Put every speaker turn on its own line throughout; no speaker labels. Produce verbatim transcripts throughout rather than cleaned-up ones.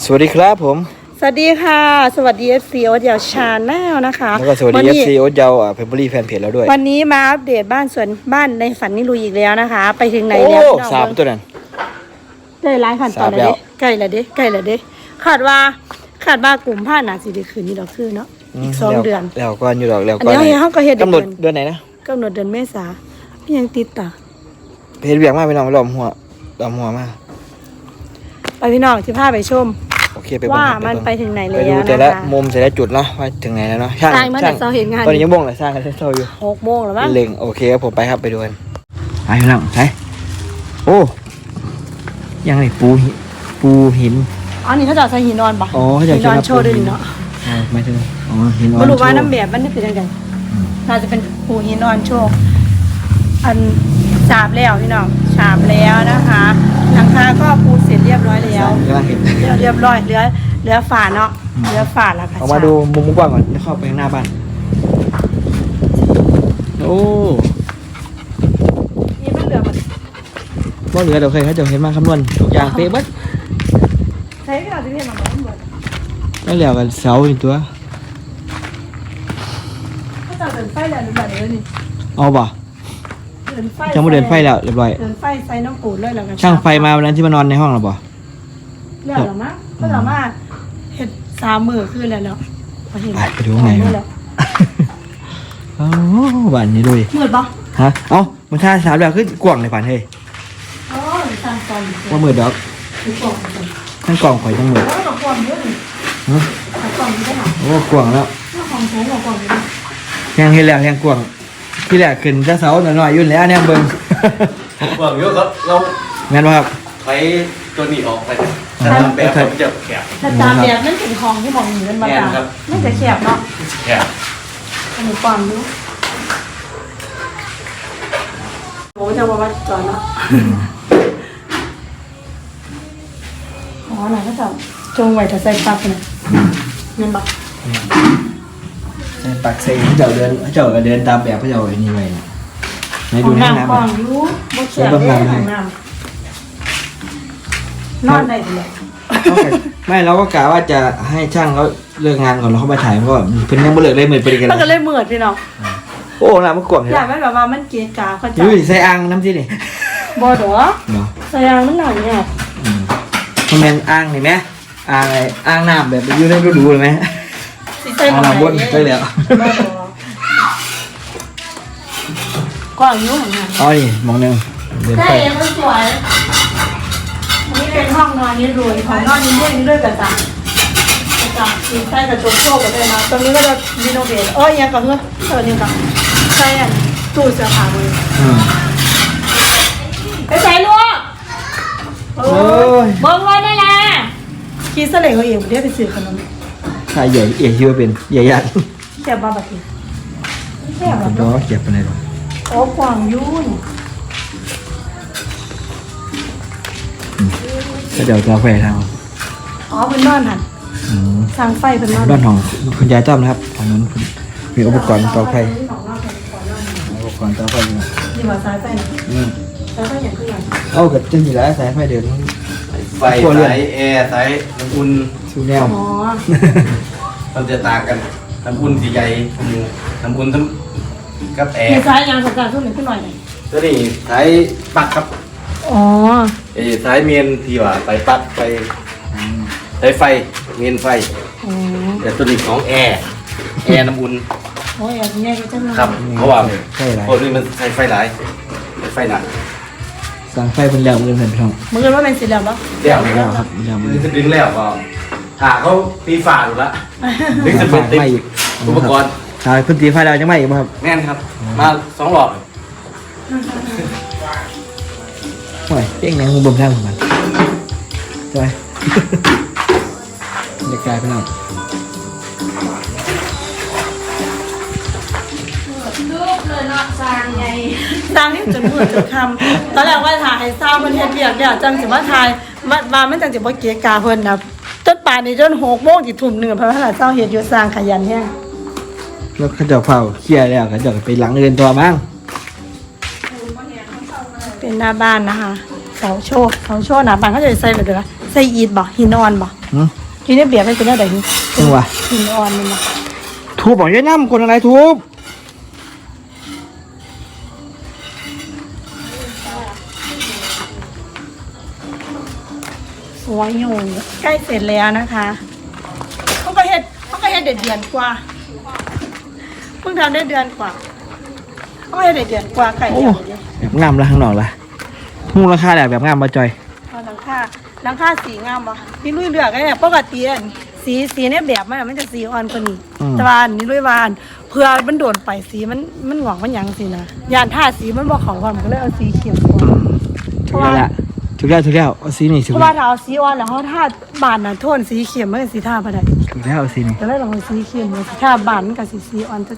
สวัสดีครับผม
สวัสดีค่ะสวัสดี เอฟ ซี โอ๊ตยาวชาแนลนะคะ
แล้วก็สวัสดี เอฟ ซี โอ๊ตยาวอ่ะเพจบุรีแฟนเพจแล้วด้วย
วันนี้มาอัปเดตบ้านสวนบ้านในฝันนิลุยอีกแล้วนะคะ ไปถึงไหนแล้ว
โอ้สามตัวนั้น
ได้หลายขั้นตอนเลยใกล้ละเด้ใกล้ละเด้คาดว่าคาดว่ากลุ่มผ้าหนาสีได้คืนนี้ดอกคือเนาะอีกสองเดือน
แล้วก็อยู่ดอกแล้วก็
อันนี้เขาก็เฮ็ด
กำหนดเดือนไหนนะ
กำหนดเดือนเมษาพี่ยังติดต่อ
เพจเบียกมากไปน้องล้อมหัวล้อมหัวมาก
ไปพี่น้องที่พาไปชม
โอเคไป
ว่ามันไปถึงไหนแล้วนะคะ
ไปดูแต่ละมุมแต่ละจุดเนาะว่าถึงไหนแล้วเนาะ
ช่างช่างต
อนนี้ยังบ่งเลยสร้างกันเท่าอยู่
หกโมงแล้วมั้ง
เล็งโอเคครับผมไปครับไปดูกันไปพี่น้องไปโอ้ยังไงปูปูหิน
อ๋อนี่เขาจะใส่หินนอนปะ
อ๋อเขาจะ
หินนอนโชว์ด้วยเนาะ
ไม่ถึงอ๋อหินนอน
ไม่รู้ว่าน้ำแบบมันเป็นยังไงน่าจะเป็นปูหินนอนโชว์อันฉาบแล้วพี่น้องฉาบแล้วนะคะหลังคาก็ปูเสร็จเรียบร้อยแล้วเรียบร้อยเหลือเหลือฝาเนาะเหลือฝาแล้วค่ะ
ออกมาดูมุมกว้างก่อนเข้าไปข้างหน้าบ้านโอ้
นี่มันเหลือมัน
ว่าเหลือเดี๋ยวเคยเขาจะเห็นมาคำนวณทุกอย่างเป๊ะบัด
ใช้เวลาที่เห็นมาหมด
แล้วเหลือกันเสาอีกตัว
เขาจะเดินไฟแล้วหรือเปล่าเนี่ยนี่
เอาป่ะจะมาเดินไฟแล้วเรียบร้อย
เดินไฟใส่น้ำปูดเลยแล้วกัน
ช่างไฟมาวันนั้นที่มานอนในห้องหรอป่ะ
เรื่องหรอมั้งก็สามารถเห็ดสามมือขึ้นแล้วเนาะ
ไปดูไงโอ้บ้านนี้ดูดิ
มืดป่ะ
ฮะเอ้ามันท่าสามแบบขึ้นกว่างในฝันเฮ้ย
อ๋อสามกล่อง
ว่ามืดดอกทั้งกล่องข่อยทั้งมืด
แล้วก็กล่องเยอะเลยฮะกล่องนี้ได้หรอ
โอ้กว่างแล้ว
กล่องแข็งกล่องนี้
ยังเห็นแล้วยังกว่างที่แรกขึ้นจะเสาหน่อยๆยุ่นแล้วเนี่ยเบิ้ง
กว่างเยอะครับเรา
แม่นป่ะครับ
ใช้ตัวนี้ออกไปถ้าทำแบบมันจะแคบ
ถ้าตามแบบนั่นเป็นของที่มองอยู่นั่นมาตาไม่จะแคบเนาะ
แคบ
อันนี้ความรู้โอ้จะบอกว่าจอยเนาะอ๋อไหนก็จะจงไว้ถ้าใส่ปักเนี่ยเงินบัก
ใส่ปักใส่เจ้าเดินเจ้าก็เดินตามแบบเจ้าไอ้นี่ไว้ในดูน้ำ
กล่องรู้บ่เขียนได้ของน้ำนอนได้เลย
ไม่เราก็กะว่าจะให้ช่างเขาเลิกงานก่อนเราเข้ามาถ่ายมันก็เพิ่นยังไม่เลิกเลยเหมือนไปกัน
มันก็เลยเหมือนพี่น้อง
โอ้น้ำมันกว้าง
อยากไม่แบบว่ามันเกะกะเขาจะ
อยู่ใส่อ่างน้ำที่นี่
บ่ดอกใส่อ่างมันหน่อยเนี่ย
มันเป็นอ่างนี่ไหมอ่างอะไรอ่างน้ำแบบอยู่ในฤดูเลยไหมอ่างน้ำบนได้แล้ว
กว้างอยู่เหมือนกัน
อ๋อนี่มองหนึ่งเดิน
ไปใช่มันสวยนี่เป็นห้องนอนนี่รวยของนอนนี่เล่นด้วยกระจังกระจังสีใส่กระจกโชกกันเลยนะตรงนี้ก็จะรีโนเวทเอ้ยยังกับเพื่อนเออยังกับใช่อ่ะตู้เสื้อผ้าเลยไปใส่ลูกโอ้ยเบิ้งวันนี่แหละคิดเสลงเขาเองเรียกไปซื้อขนม
ใช่ใหญ่เอ๋ยชื่อว่าเป็นใหญ่ยัด
เขียบมาแบบนี้เขียบแบบ
นี้เขียบไปไหนหรอ
โอ้กวางยุ่น
ก็เดี๋ยวจะแฝงทาง
อ๋อเป็นนอนหันสร้างไฟเป็นนอน
บ้านของคุณยายต้อมนะครับทางนั้นมีอุปกรณ์ต่อไฟอุปกรณ์ต่อไฟ
ดีกว่าสายไฟนะสายไฟอย่างขึ้น
เอาเกิดจริงอยู่แล้วสายไฟเดิน
ไฟสายแอร์สายน้ำอุ่น
ชูแนว
มันจะต่างกันน้ำอุ่นสีใหญ่น้ำอุ่นทั้งกับแอร์
สายยางสัญญาณทุกหนึ่งขึ้นหน่อยเลย
ตัวนี้สายปักครับ
อ๋อ
ไอ้สายเมียนที่ว่าไปปักไปสายไฟเมียนไฟแต่ตัวนี้ของแอร์แอร์น้ำอุ่น
โอ้ยอย่างนี้ก็จะ
ครับเพราะว่าเพราะนี่มันใช้ไฟหลายไฟหนัก
สั่งไฟเป็นแล้วมือเห็นพี่น้อง
มือว่าเป็นสีเหลืองปะ
เหลืองแล้วครับเหลืองมือจะดึงแล้วก็หาเขาตีฝาอยู่ละดึงจะเป็นติดอุปกรณ์
ใช่พื้นที่ไฟเราจะไม่อีกครับ
แน่นครับมาสองหลอด
โอ้ยเจ๊งแรงมุมบนทางของมันใช่ไหมเด็กกายไปหน่อย
ลูกเลยเนาะสร้างไงสร้างที่จนมืดจนคำตอนแรกว่าถ่ายสร้างมันเฮ็ดเบียกเนี่ยจังสิว่าถ่ายมามาไม่จังสิว่าเกียกาเพิ่นนะจนป่านนี้จนหกโมงจิตทุ่มหนึ่งเพราะว่าเจ้าเฮ็ดอยู่สร้างขยันแห้ง
แล้วเขาจะเผาเคลียร์แล้วเขาจะไปหลังเรือนตัวมั้ง
เป็นหน้าบ้านนะคะเสาโชว์เสาโชว์หน้าบ้านเขาจะใส่แบบเดียวใส่อีดบ่หินอ่อนบ่
หืม
กินได้เบียร์มันเป็นอะไรนี่
จังหวะ
หินอ่อนมันนะ
ทูบบอกยายน้ำคนอะไรทูบ
สวยอยู่ใกล้เสร็จแล้วนะคะเขาก็เฮ็ดเขาก็เฮ็ดเดือนเดือนกว่าเพิ่งทำได้เดือนกว่าเขาก็เฮ็ดได้เดือนกว่าไก่
โอ้
เดียวเดียว
แบบงามละข้างนอกละมูลค่าแบบแบบงามมาจอย
เอาหลังคาหลังคาสีงามป่ะนี่ลุยเลือกไอ้เนี่ยปกติอันสีสีเนี่ยแบบมันอะมันจะสีอ่อนกว่านี้แต่ว่าอันนี่ลุยวาอันเพื่อมันโดนไปสีมันมันหงอกมันหยังสินะยานท่าสีมันบอกเขาว่ามันก็เลยเอาสีเขียวก่อน
ถูกแล้วละถูกแล้วถูกแล้วเอาสีนี่ถู
เพ
ก
ราะ
แล้
ว่าว ถ้าเอาสีอ่อนแล้วเขาท่าบานน่ะโทนสีเขียวมันก็สีท่าไปได้
ถูกแล้วเอาสีนี่
ก็เลยลองเอาสีเขียวมาสีท่าบานมันกับสีสีอ่อนจะ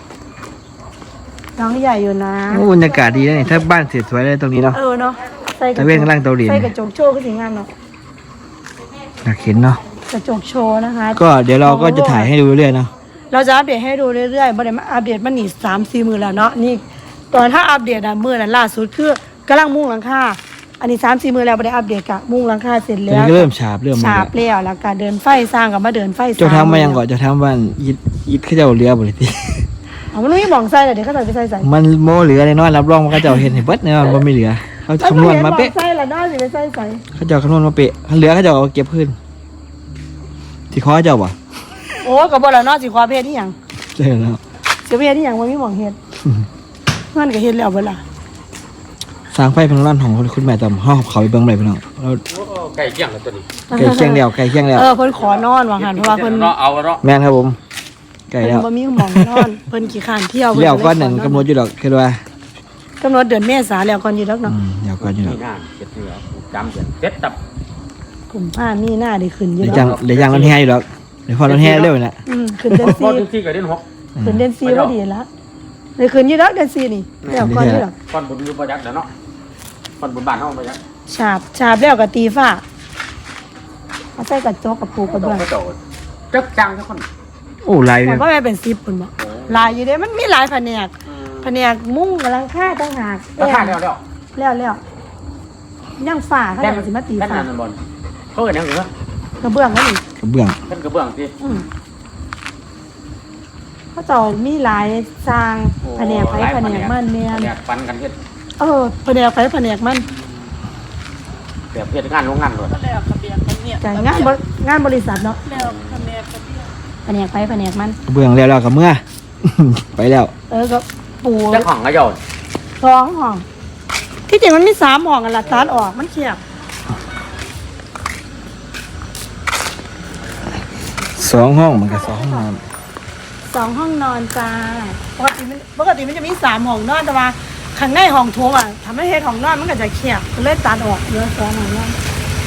น้องใหญ่อยู่นะ
โอ้บรรยากาศดีนะนี่ถ้าบ้านเสร็จสวยเลยตรงนี้เนาะ
เออเนาะใส่กระ
ตะเวนกำลังเตาหลิน
ใส่กระจกโชว์ก็สีงามเนาะ
อยากเห็นเนาะ
กระจกโชว์นะคะ
ก็เดี๋ยวเราก็จะถ่ายให้ดูเรื่อยๆเนาะ
เราจะอัปเดตให้ดูเรื่อยๆบ่ได้มาอัปเดตมันนี่สามสี่มือแล้วเนาะนี่ตอนถ้าอัปเดตอะมือนั้นล่าสุดคือกำลังมุ่งหลังคาอันนี้สามสี่มือแล้วบ่ได้อัปเดตกะมุ่งหลังคาเสร็จ
ตอน
แล้ว
นี้ก็เริ่มฉาบเริ่ม
ฉาบแล้วแล้วก็เดินไฟสร้างกับมาเดินไฟ
เจ้าทำมายังก่อนเจ้าทำบ้านยิดยิดเขาเจ้าเรือบ่เลยที
เอามันไม่มองใส่เลยเดี๋ยวเขาใส่ไปใส่ใส่
มันโมเหลือเลยน้อยรับรองว่าเขาเจ้าเห็นเห็นเบิดแน่นอนว่าไม่เหลือเขาคำนวณมาเป๊ะ
ใส่ละน้อยสิไปใส่ใส่
เขาเจ้าคำนวณมาเป๊ะเหลือเขาเจ้าเอาเก็บขึ้นที่คอเจ้าบ่
โอ้ก็บ่ละน้อยสิขอเพศที่หยัง
ใช่แล้ว
เสียเพศที่หยังบ่มีหม่องเฮ็ดเงินก็เฮ็ดแล้วเบ่ล่ะ
สร้างไฟเป็นร้านของคุณแม่ตำห้องเขาไปเบิ่งเลยพี่น้องเรา
ไก่เกี่ยงแล้วตัวนี้
ไก่เคียงแล้วไก่เคียงแล้ว
เออเพิ่นขอนอนว่าหั่นเพราะว่าเพิ่น
เนาะเอาเนาะ
แม่นครับผมไก่
เพิ่น
แล้ว
บ่มีหม่องนอนเพิ่นขี้ข้านเที่ยว
แล้วก้อนหนึ่งกำหนดอยู่ดอกคือว่า
กำหนดเดือนเมษาแล้วก่อนอยู่ดอก
อื
เนาะ
มเดี๋ยวก้อนอยู่ดอก
นี่น่าเก็ดเหนือจำเดือนเจ็ดตับ
กลุ่มผ้ามีหน้าได้ขึ้นอยู่
เดี๋ยว
ด
จั
อง ก
เดี๋ยวยังรถแห่อยู่ดอกเดี๋ยวพอรถแห่เร็วนี่แหละ
อืมขึ้นเดือน
พอ
สี่
ถึงที่กับเดือนหก
ขึ้นเดือนสี่พอดีละเลยขึ้นอยู่ดอกเดือนสี่นี่แล้วก่อนอยู่ดอก
ก้อนบุญอยู่ประยักษ์เดี๋ยวเนาะก้อนบุญบ้านเฮาประยักษ์
ฉาบฉาบแล้วก็ตีฝ้าเอาใส่กระจกกับปูกระ
ต้
เบื้
อ
อง ง
ไปโตจักจังทุกคน
โอ้ลาย
ผ
เลย
มว่าแม่เป็นสิบปุ่นบ่หลายอยู่เด้มันมีหลายแผนกแผนกมุ้งกำลังค่าต่างหาก
ราคาเดียวเดียว
แล้วแล้วย่างฝ้าเขาจะสิมาตี
แค่
ฝ้า
นั้นบอลเขาเห็นยังเหรอก
ระเบื้องนั่นนี่
กระเบื้อง
เป็นกระเบื้องสิ
อืมเขาเจ้ามีหลายสร้างแผนกไผแผนกมันแม่น
แผนกปันกันเฮ็ด
เออแผนกไผแผนกมัน
แบบเฮ็ดงานโรงงานด้วย
แต่งานบริงานบริษัทเนาะแผนกไผแผนกมัน
กระเบื้องแล้วแล้วกับเมื่อ ไปแล้ว
เออก็ปู
เจ้าของก็โยน
สองห้อง ที่จริงมันมีสามห้องกันละตัดออกมันเขียบ
สองห้องมันก็สองห้องนอน
สองห้องนอนจ้าปกติมันปกติมันจะมีสามห้องนอนแต่ว่าข้างในห้องโถงอ่ะทำให้เฮ็ดห้องนอนมันก็จะเขียบก็เลยตัดออกเหลือสองห้องนอน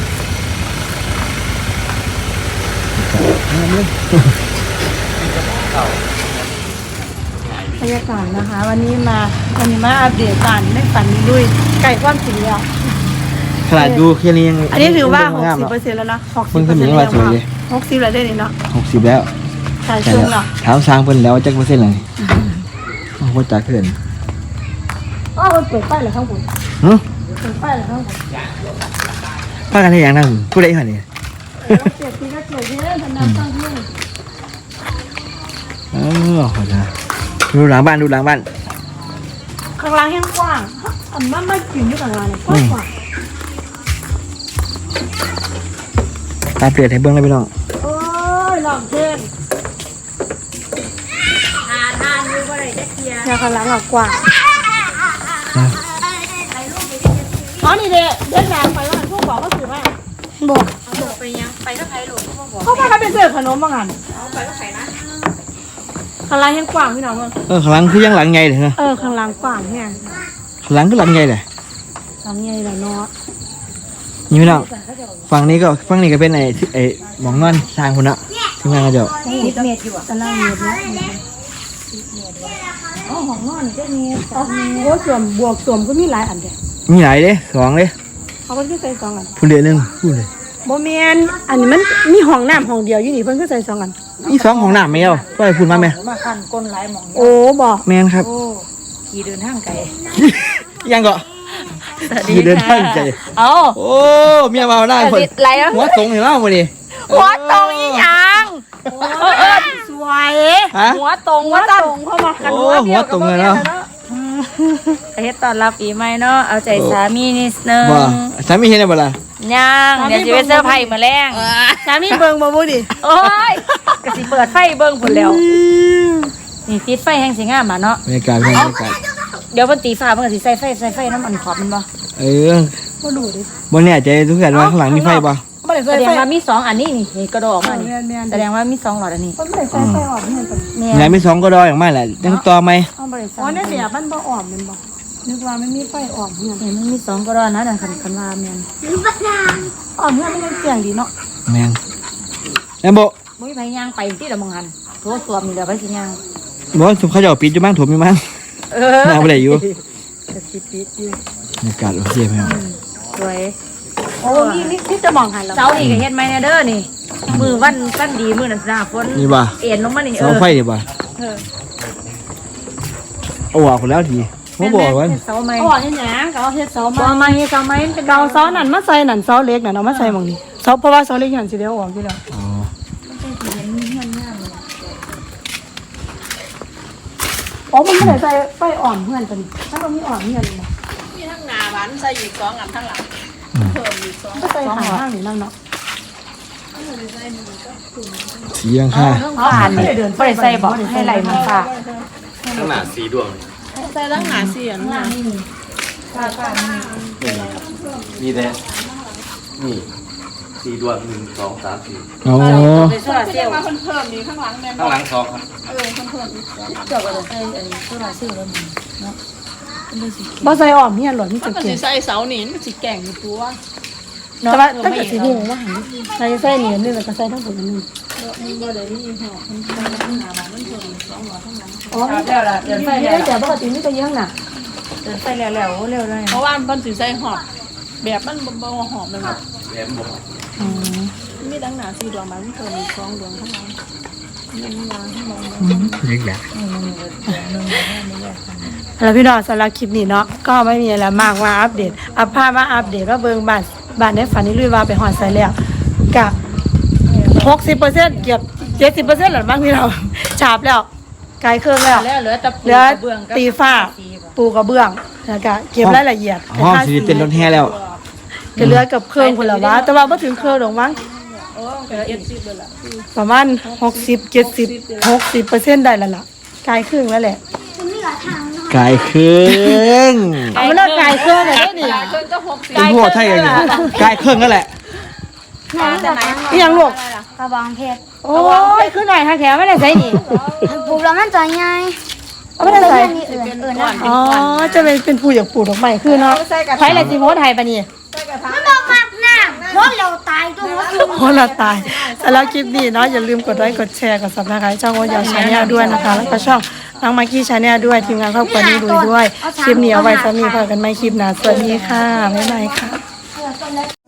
บรรยากาศนะคะ วันนี้มาวันนี้มาอัปเดตการไม่ฝันลุยไก่ความสีแล้ว
ขนาดดูแค่นี้ยัง
อันนี้ถือว่าหก
งาม
สิบ
เนาะ
เปอร์เซ็นต์แล้วนะหกสิ
เพิ่
บ
ง
เป
ขึ้
อน ร์
มา
เซ็นต์
ว่า
แล้ว
สวยเลย
หกสิบแล้วได้นี่เนาะ
หกสิบแล้ว
ใช่
ใช่
ช่วง
แล้ว
เนาะ
ถามสร้างเพิ่นแล้วจักเปอร์เซ็นต์เลยโอ้โหจ่าเกิน
อ๋อมันเปิดไฟเหรอข้างบน
หึ
เปิดไฟเหรอข้างบน
พากันให้อย่างนั้นผู้ใดหั่นนี่
เออเกียรติก็เกียรติเยอะทำน้ำตั้งเที่ยง
เออขอจ้าดูหลังบ้านดูหลังบ้าน
ข้างล่างแห้งกว้างอันมันไม่กินอยู่ข้างล่างเนี่ยกว้างกว่า
ตาเปลี่ยนให้เบิ่งเลยพี่น้อง
โอ้ยลองเพลงทานทานดูว่าอะไรจะเกียร์ข้างล่างอ่ะกว้าง
นะ
อ๋อนี่เด็กเดินทางไปว่าพวกบอกก็ถือว่าบอก
บอกไปยังไปก็ใครหลวงเขาบอก
เขาพาเขาไปเสิร์ฟขนมบางอัน
เอาไปก็ใครนะ
ข้างล่างแห้งกว้างพี่น้องมึง
เออข้างหลังคือยังหลังใหญ่เลยนะ
เออข้างล่างกว้างแห้ง
ข้างหลังคือหลังใหญ่เลย
หลังใหญ่ละเนาะ
นี่พี่น้องฝั่งนี้ก็ฝั่งนี้ก็เป็นไอ้ที่ไอ้หมองนอนทางคนน่ะที่งานกระเจ้า
สิบเมตรอยู่อ่ะตารางเมตรนะอ๋อห้องนอนเจ็ดเมตรอ๋อโอ้ส่วนบวกส่วนก็มีหลายอันเดียว
มีหลายเด้สองเด้
เขาก็คือใส่สองอัน
ผู้เดียวหนึงผู้เลย
โมเมนอันนี้มันมีห้องน้ำห้องเดียวอยู่นี่เพิ่นก็ใส่สองอัน
มีสองของหน้าไม่เอาก็ไปพูดมาไหม
มาคันก้นหลายหมอง
โอ้บอก
แม่นครับ
โอ้ขี่เดินทางไกล
ยังก็ขี่เดินทางใจ
เอา
โอ้เมียมาได้คน
ไรแล้ว
หัวตรงเห็นไหมวันนี้เอ
หัวตรงอีหยังเออสวย
ฮะ
หัวตรง
หัว
ว่า
ต
ตั้
รงเข้ามากัน
โอ้หัวตรงเลยเนาะ
เฮ็ดตอนรับปีใหม่เนาะเอาใจสามีนิดนึง
บ่สามีเห็นได้บ่ล่ะ
ยังเดี๋ยวสิไปเซอร์ไพรส์มื้อแรง
สามีเบิ่งบ่บ่ดิ
โอ้ยก็สิเปิดไฟเบิ่งพุ่นแล้วนี่ติดไฟแห่งสิงามอ่ะเนาะ
บรรยากาศบรรยากาศ
เดี๋ยวเพิ่นตีฟ้าเพิ่นก็สิใส่ไฟใส่ไฟน้ำมันขอบมันบ่
เออ
บ่รู้ดิ
บ่แน่ใจทุกอย่างว่าข้างหลังมีไฟบ่
บ่ได้
แส
ใส่
ดง
ไฟ
ว่ามีสองอันนี้นี่นี่กระโดดออกมานี่
แม่นๆ
แสดงว่ามีสองหลอดอันนี้
บ่ได้ใส่ไฟออกเนี่ยตอน
แม่
ไหนมีสองก็ดออย่างมากแหละยังต่อไหม
เอาบ่ได้ใส่
อ๋อในแบบมันบ่อ่อมแม่นบ่นึกว่ามันมีไฟอ่อมเนี่ย
เห็นมันมีสองกระโดดนะนั่นคันคันว่าแม่น
อ่อมเนี่ยมันยังเสียงดีเนาะ
แมงแอมโบ
บ่มีไผย่างไปที่ละมองหันโทรสวมนี่เดี๋ยวไปสิย่าง
บอกว่าเขาจะเอาปิดอยู่บ้างถูกมีมั้ง
เออ
น่าบ่ได้อยู่
ก็สิปิดอยู่
บรรยากาศโอเคไหมครับ
สวย
โอ้มีนี่ที่จะมองหันแล้ว
เสานี่ก็เฮ็ดไหมเนี่ยเด้อนี่ มือวันสั้นดีมือนั่นหน้าฝน
นี่บ่
เอ็นลงมานี่เอ
เสา
อ
ไฟนี่บ่
เออ
เอาออกคนแล้วทีผมบอกว่า
เฮ็ดเสาไหม
อ๋อเฮ็ดหยังก็เอาเฮ็ดเสา
บ่
มา
มาเฮ็ดเสาไหมมันเป็น
เกาเสานั่นมาใส่นั่นเสาเล็กนั่นเอามาใส่หม่องนี้เสาเพราะว่าเสาเล็กหันสิเดียวออกอยู่แล้ว
อ๋อ
อ๋อมันไม่ได้ใส่ไฟอ่อนเพื่อนตัวนี้ถ้าเรามีอ่อนเพื่อนบ่
มีทั้งหน้าบ้านใส่อีกสองอันทั้งหลัง
ก็ใส่ข้างข้างนี่นั่นเนาะ
สียังค่ะ
เอาผ่านนี่บ่ได้ใส่บ่ให้ไหลมันฟ้า
ข้างหน้าสีดวง
ใส่ทั้งหน้าเสียงหน้า
นี่แหละนี่สีดวงหนึ่งสองสามสี่
โอ้
เป็นโซลาร์เซลล์
ข้างหลังสองครับ
เจ้าก็ต้องใส่อันโซลาร์เซลล์แล้วมันเนาะ
บ่ใส่อ่อนเพื่อนหรอนี่
มั
จะ
นก็
เก่
สิ
ง
ใส่เสาหนีมันสิแก่งอยู่ตัว
แต่ว่าถ้าเกิดสีหูว่าหันใส่ใส่เหนียนนี่แล้วก็ใส่ทั้งหมดนั่นอ๋อ
แล้วล่ะเดินไฟ
ไม่
แล้ว
ได้แต่ปกติไม่จะเยอะน่ะ
เดินไฟแล้วแล้วเร็วเลย
เพราะว่ามันสิใส่หอบแบบมันบ่บ่หอบมันแบบ
แหลมบอก
อ๋อ
มีดังหนาสี่ดวงมันมีเพิ่มอีกสองดวงข้างหลังมีวางข้างหลัง
เล็กแหละ
แล้วพี่น้องสำหรับคลิปนี้เนาะก็ไม่มีอะไรมากมาอัปเดตอัพภาพมาอัปเดตว่าเบิ่งบ้านบ้านในฝันนี่ลุยว่าไปหอดใส่แล้วกะหกสิบเปอร์เซ็นต์เกือบเจ็ดสิบเปอร์เซ็นต์หรือบ้างพี่เราฉาบแล้วไกลเครื่องแล้ว
แล้วเหลือแต่ปู
เหลือก
ระเบื้องกับ
ตีฝ้าปูกระเบื้องแล้วก็เก็บรายละเอียด
ห้องสีเป็นรถแห่แล้ว
ก็เหลือกับเครื่องคนละวะแต่ว่าบ่ถึงเครื่องหรอกมั้ง
โอ้ก็เจ็ดสิบเลยล่ะ
ประมาณหกสิบเจ็ดสิบหกสิบเปอร์เซ็นต์ได้แล้วล่ะไกลครึ่งแล้วแหละ
กายเครื่อง
เอามาเลิกไกลเครื่องเลยนี่
เพิ่นก็หกสิบ
เป็นพวกไทยกันอยู่กายเครื่องนั่นแหละ
แต่ไหน
อีหยังลูก
กระบองเพชร
โอ้ยขึ้นหน่อยค่ะแถวไม่ได้ใส่นี่
ปลูกแล้วมันจะใหญ่
เอาไม่ได้ใส่
มีอื่นอื่นนะ
อ๋อจะเป็นเป็นผู้อยากปลูกดอกไม้คือเนาะใช้อะไรสิโพสไทยปะนี่
มันบอกมากน้ำเพราะเราตายตัวมัน
โอ้เราตายสำหรับคลิปนี้เนาะอย่าลืมกดไลค์กดแชร์กดซับสไครต์ช่องโอยาวชาแนลด้วยนะคะแล้วก็ช่องน้องมากกี้ชาแนลด้วยทีมงานครอบครัวนี้ด้วยด้วยคลิปนี้เอาไว้สามีพากันไม่คลิปหนาสวัสดีค่ะบ๊ายบายค่ะ